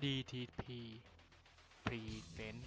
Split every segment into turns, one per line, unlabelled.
DTP Present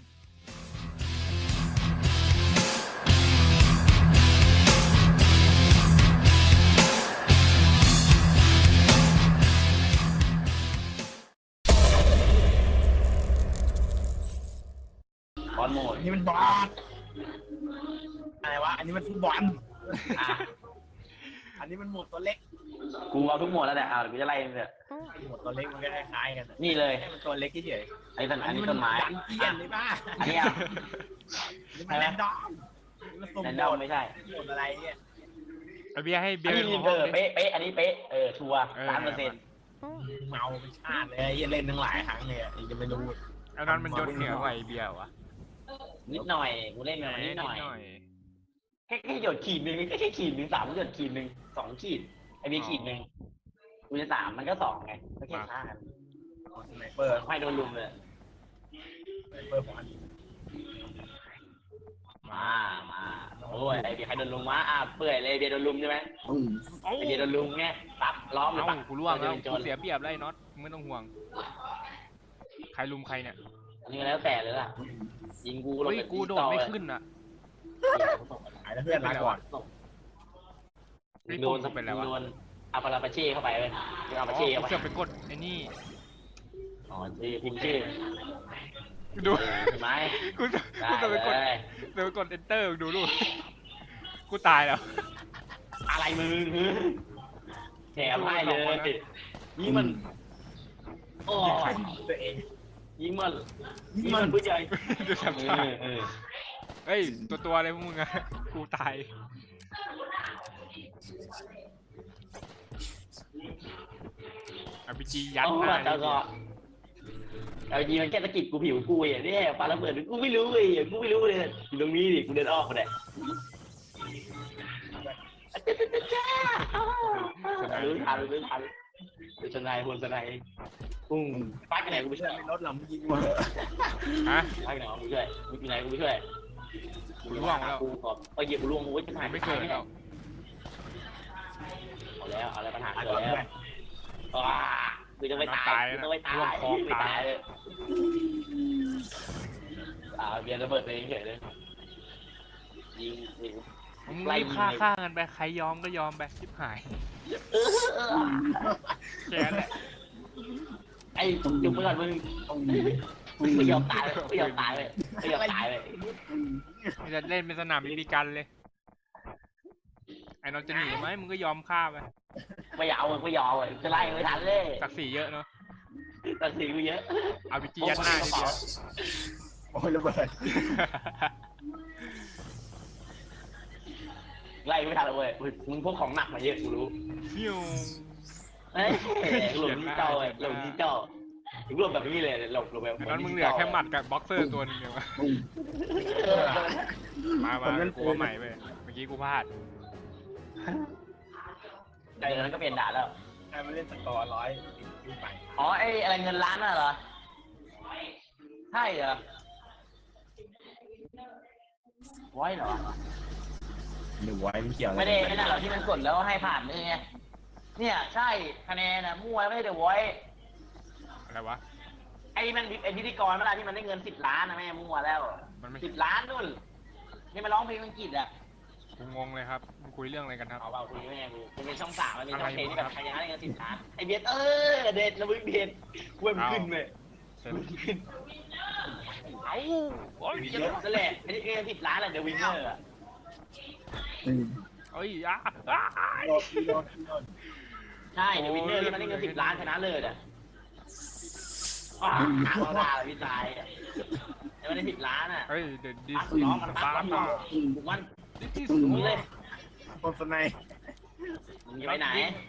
บอลโหมด
อันนี้มันบอลอะไรวะ อันนี้มันฟุตบอล
อ่ะ
อันนี้มันหมวดตัวเล็ก
กูเอาทุกโหมดแล้วเนี่ยกูจะไล่มันเนี่ย
หมวดตัวเล็กมันก็คล้ายๆกัน
นี่เลย
แค่มันตัวเล็กเฉย
อันนี้ต้น
ๆ
อันนี้ต้นไม้
ยันเกียนเลยป่ะ
อันนี้อ่ะ
นี่มันแรนดอมนี่มันสุ่ม
แรน
โห
ดอม
มด
ไม่ใช่
โหมดอะไรเนี่ย
ไอเบียร์ให้เบี
อั
ย
น
ร์
นี้
เป็น
เอ
ของ
อเป๊ะเป๊ะอันนี้เป๊ะชัวร์3%
เมาเป็นชาติเลยไอ้เหี้ยเล่นทั้งหลายครั้งเนี่ยยังไม่รู้
อันนั้นมันยศเหนือกว่าไอเบียร์วะ
นิดหน่อยกูเล่นมานิดหน่อยแค่หยดขีดหนึ่งแค่ขีดหนึ่ง3หยดขีดหนึ่ง2ขีดไอ้เบียร์ขีดหนึ่งกูจะ3มันก็2ไงก็แค่ฆ่ากัน
สไนเปอร์
ไม่โดนลุมเลย
สไนเปอร์ของอันนี้
มาโอ้ยไอ้เบียร์ใครโดนลุมวะเปื่อยเลยเบียร์โดนลุมใช่ไหม
เอ้า
ไอ้เบียร์โดนลุมไงปั๊บล้อมเลย
เอ้า
ปั๊บ
กูร่วงแล้วกูเสียเปรียบแล้วไอ้น็อตไม่ต้องห่วงใครลุมใครเนี่ย
นี่แล้วแต่เลยล่ะยิงกูลง
เฮ้ย
ไป
กูโดดไม่ขึ้นอ่ะ
หายแล้วเพื่อนลาก่อน
โดนโดนอาปาราปาเช่เข้าไปเลยอาปา
อ๋อ
เช่
กู
เข้าไป
เกือบไปกดไอ้นี่
อ๋อพิมพ์ชื่อ
ดู
ใช่ไหม
กูเกือบไปกด
ได้
เดี๋ยวไปกด enter ดูกูตายแล้ว
อะไรมึงแถมให้เลยยิงมันโอ้
ตัวเอง
ยิงมันผู้ใหญ่
ดูทำท่าเฮ้ยตัวอะไรพวกมึงอะกูตายRPG ยัด
โอ้
หน้า
แต่ก็เอาจริงมันแค่ตะกิดกูผิวกูอย่างนี้ปาระเบิดกูไม่รู้เลยกูไม่รู้เลยอยู่ตรงนี้ดิกูเดินออกมาเนี่ยรู้ทันสนายคนสนายปุ้งป้าไปไหนกูไปช่วย
ไม่ลดหรอกมึงยิงมา
ฮะ
ป้าไปไหนกูไปช่วยมึงอยู่ไหนกูไปช่วย
กูร่วงแล้ว
กูขอเหยียบกูร่วงกูจะหาย
ไม่เกิดแล้ว
เอาแล้วเอาแล้วปัญหาเกิดแล้วว้าคือจะไม่ตายจะไม่ตายไม่ตายเลยเบียร์ระเบิดเลยเฉยเลยยิง
มึงรีบฆ่ากันไปใครยอมก็ยอมไปชิบหายแค่นั้นแหละ
ไอ้จุ่มไปก่อนมึงไม่ยอมตายเลยไม่ยอมตายเลยไม่ยอมตายเลย
มึงจะเล่นเป็นสนามบีบีกันเลยไอ้น้องจะหนีไหมมึงก็ยอมฆ่าไป
ไม่เอาไม่ยอมจะไล่ไม่ทันเลย
ศักดิ์ศรีเยอะเนาะ
ตัดสินกูเยอะ
เอาบีจียัดหน้าทีเดียว
โอ้ยระเบิด
ไล่ไม่ทันเลยเว้ยมึงพวกของหนักมาเยอะกูรู้
ฟิว
เฮ้ยหลบนี่เจ้าหลบนี่เจ้าหลบแบบนี้เลยหลบแบบ
ไอ้น้องมึงเหลือแค่หมัดกับบ็อกเซอร์ตัวนึงเดียวมากูว่าใหม่ไปเมื่อกี้กูพลาด
เดี๋ยวนั้นก็เปลี่ยนด่าแล้ว
ใครมาเล่นสกอร์100ขึ้นไป
อ๋อไอ้อะไรเงินล้านน่ะเหรอใช่เหรอไว้เหรอ
หรือไว้ไม่เกี่ยว
ไม่ได้ไม่ได้หรอที่มันกดแล้วให้ผ่านนี่ไงเนี่ยใช่คะแนนนะมั่วไม่ได้เดี๋ยวไว้
อะไรวะ
ไอ้มันไอ้พิธีกรเวลาที่มันได้เงิน10 ล้านนะแม่มั่วแล้ว
มันไม่
10 ล้านนู่นนี่มาร้องเพลงอังกฤษอ่ะ
กูงงเลยครับมึงคุยเรื่องอะไรกันครับ
เอาเบาคุยไม่ไงกูมันเป็นช่อง3มันเป็นช่องเพลงที่แบบใครยังได้เงิน10 ล้านไอ้เบียดเด็ดระบึกเด็ดกล้วยมันขึ้นเลย
เสร็จ
ขึ้น
เอ้าโอ้ย
เยอะนั่นแหละไอ้เงิน10 ล้านแหละเดวินเนอร์อ่ะ
เอ้ย
ใช่เดวินเนอร์ที่มันได้เงิน10 ล้านชนะเลยอ่ะเอาด่าเลยพี่ชายอ่ะแต่มันได้10 ล้านอ่ะ
เฮ้ยเดี๋ยวดิส
ร้องมัน
ฟ้า
ปั๊บ
มา
บุกมัน
ดิส
มึงเลย
คนสไน
มึงจะไปไหน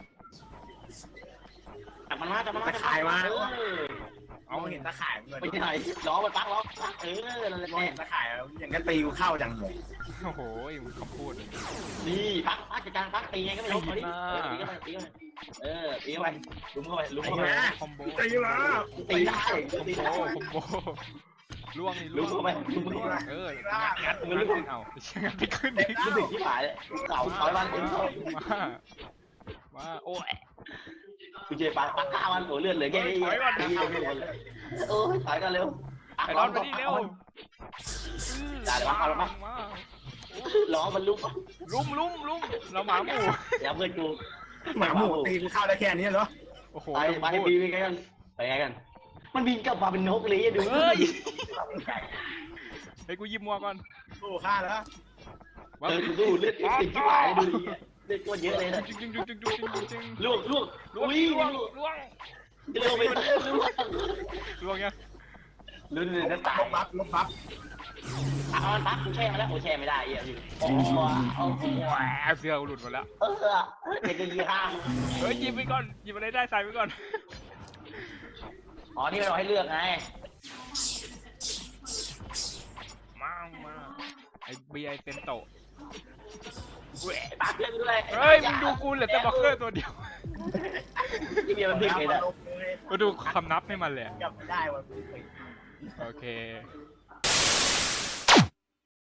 จับมันมา
เอาเห็นตะข่ายมันเลย
ไปที่ไหนล้อมันปักล้อนั่นแหละ
มองเห็นตะข่ายอย่างก็ตีกูเข้าจังเลย
โอ้โหมึงคำพูด
นี่ปักจัดการปักตีไงก็ไม่รู้ตีกันตีกันตีเข้าไปลุมเข้าไปลุมเข้าไป
คอมโบ
ตีมา
ตีได้
คอมโบล่วงนี่
ลุ
ล่
ม
วง
เข้าไปลุมเข้าไป
งัดเอางัดไปขึ้นดิ
รู้สึกที่หายเก่าถอยบ้านเอง
มาโอ้ย
กูเจอปลาฆ่ามันโหเลือดเหลือแค่นี้โอ้ยถอยกันเร็ว
ไอ้รอนมาดิเร็ว
ได้เลยวะเอาแล้วมั้ยล้อมันลุก
ลุมเราหมาหมู่
เดี๋ยวเพื่อนกู
หมาหมูตีกูเข้าได้แค่นี้เหรอ
โอ้โห
ไปบีไปกันไปไงกันมันบินกลับมาเป็นนกเลยดู
เฮ้ยให้กูยิบมัวก่อน
โอ้ฆ่าแล้ว
กูดูเลือดติดที่หายดูดิเลือดก้นเยอะเลยนะ
จึง
ล่วง
ล่วง
จะเร็วไป
ล่วงยัง
ลุ้นเลยจะตาย
ลบบัฟ
เอามันปั๊บกูแช่มาแล้วกูแช่ไม่ได้อ่ะอยู่โอ้โห
เสื้อหลุดหมดแล้ว
เด็กดีห้า
เฮ้ยยิบไปก่อนยิบอะไรได้ใส่ไปก่อน
อ๋อนี่เราให้เลือกไง
มาไอ้เบียร์เต็มโตะ
ปั๊บเลือกด้วย
เฮ้ยมึงดูกูเหลือแต่บ็อกเกอร์ตัวเดียว
ที่เบียร์มันดึกเลยนะ
มาดูคำนับให้มันเลย
จับไม่ได้ว่ะ
โอเค